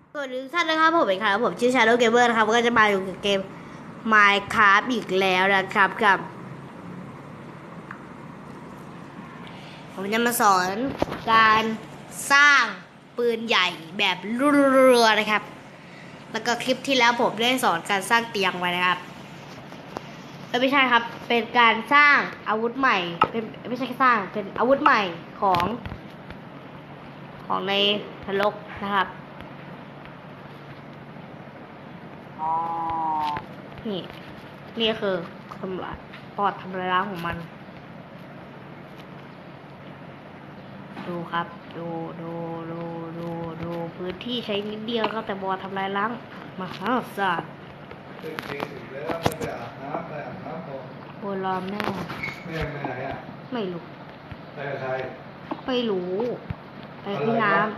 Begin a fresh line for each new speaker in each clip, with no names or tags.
สวัสดีทุกท่านนะครับผมเองครับผมชื่อ Shadow Gamer นะครับก็จะมาอยู่กับเกม Minecraft อีกแล้วนะครับกับผมจะมาสอนการสร้างปืนใหญ่แบบรัวๆนะครับแล้วก็คลิปที่แล้วผมได้สอนการสร้างเตียงไว้นะครับไม่ใช่ครับเป็นการสร้างอาวุธใหม่เป็นไม่ใช่แค่สร้างเป็นอาวุธใหม่ของในนรกนะครับนี่คือทำลายปอดทำลายล้างของมันดูครับดูพื้นที่ใช้นิดเดียวครับแต่บอดทำลายล้างมหาศาลโบรอมแน่
แม่ไปไหนอ่ะ
ไม่รู้
ไปกับใคร
ไม่รู้ไปที่น้ำ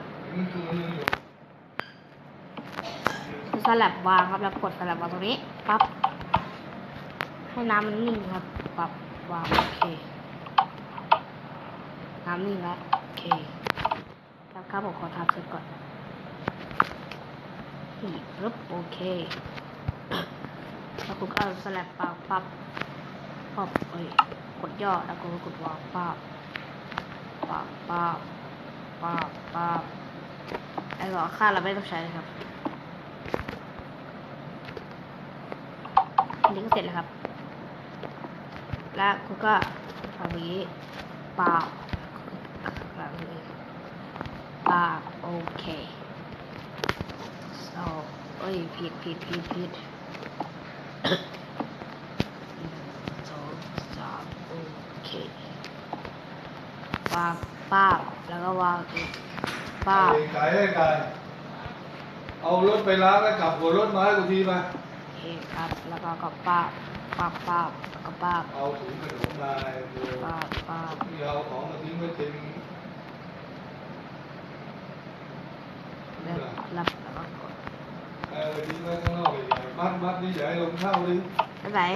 สลับวางครับแล้วกดสลับวางตรงนี้ปั๊บให้น้ำมันนิ่งครับปั๊บวางโอเคน้ำนิ่งแล้วโอเคครับผมขอทำเสร็จก่อนนี่ปึ๊บโอเคแล้วคุณก็เอาสลับปั๊บกดย่อแล้วก็กดวางปั๊บไอ้หลอดค่าเราไม่ต้องใช้เลยครับอันนี้ก็เสร็จแล้วครับแล้วคุณก็ทำอย่างนี้แบบนี้โอเคผิด2 3โอเควางแล้วก็วางอีก
ไก่เอารถไปล้างแล้วกลับหัวรถมาให้กูทีมา
โอเคครับแล้วก็แล้วก็
เอาถุงขนมมาที่เอาของมาทิ้งไว้เต็ม
แล้วก็กด
ทิ้งไว้ข้างนอกเลยมัดนี่อย่าให้ลมเข้าเลย
ไหน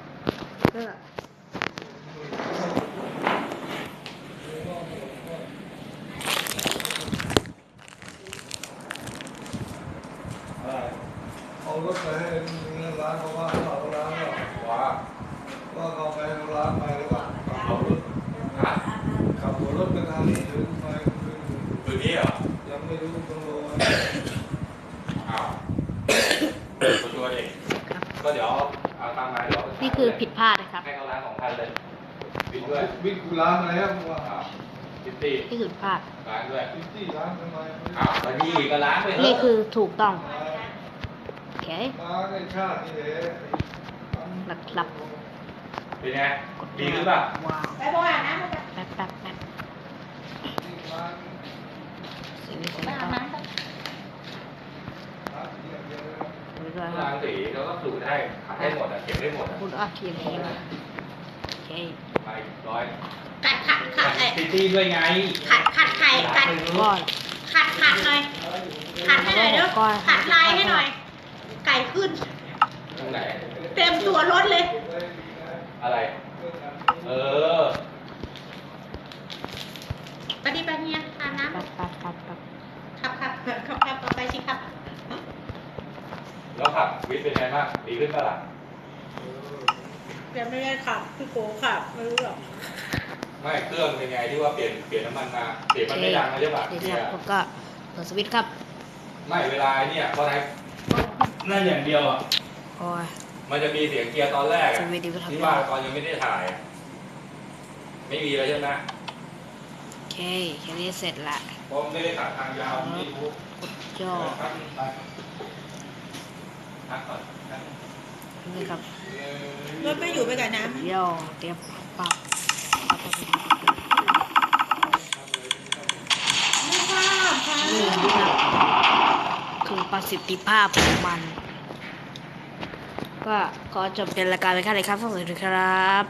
เอารถไปให้ร้านเขาว่าเขาล้างแล้วว่าเขาไปล้างไปแล้วก็ขับหัวรถไปทางนี้ถึงไป
ตัวนี้เหรอ
ยังไม่รู้ต้องรอ
อ้าวตัวเองก็เดี๋ยวเอาตามมาเดี๋ยว
นี่คือผิดพลาดนะครับ
ให้เขาล้างของพันเลย
วิ่งกูล้างมาแล้วมึงว่า
พิตตี้
นี่คือพลาด
ล้างด้วย
พิตตี้ล้างทำไม
อ้าวแล้วนี่ก็ล้างไป
นี่คือถูกต้องโอเค
ล้างในชาตินี่แหละ
หลับ
เป็นไงดีหรือเปล่า
ไปบ่อยนะแป๊บเสร็จแล้วก็
ล้างสีแล้วก็สูดให้ขัดให้หมดเก็บได้หมด
คุณเขียนเองโอเค
ไปร้อย
ขัด
พิตตี้ด้วยไง
ขัดไข่ก่อน
ขัดหน่อยขัดให้หน่อยเด้อขัดลายให้หน่อยไก่ขึ้น
ตรงไหน
เต็มตัวรถเลย
อะไร
ไปดิไปเนี่ยอาบน้ำ
ครับ
เอาไปสิครับ
แล้วขับวิทย์เป็นไงบ้างดีขึ้นปะล่ะ
ยังไม่ได้ขับพี่โก้ขับไม่รู้หรอก
ไม่เครื่องเป็นไงที่ว่าเปลี่ยนน้ำมันมาเสียงมันไม่ดังนะใช่ป่ะ
เนี่ยผมก็เปิดสวิตช์ครับ
ไม่เวลาเนี่ยเพราะไหนนั่นอย่างเดียวอ่ะมันจะมีเสียงเกียร์ตอนแรกที่ว่าตอนยังไม่ได้ถ่ายไม่มีเลยใช่ไหม
โอเคแค่นี้เสร็จละ
เพราะไม่ได้ถ่ายทางยาวไม่รู้
กดย่อนี่ครับ
รถไม่อยู่ไปกับน้
ำย่อเตรียมปัก
ไม่ทราบค่ะ
นี่ครับคือประสิทธิภาพของมันก็ขอจบเป็นรายการเลยครับสวัสดีครับ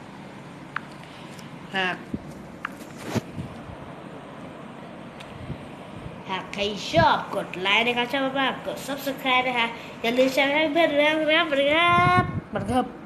หากใครชอบกดไลค์นะครับชอบมากกด Subscribe นะคะอย่าลืมแชร์ให้เพื่อนๆนะครับสวัสดีครับ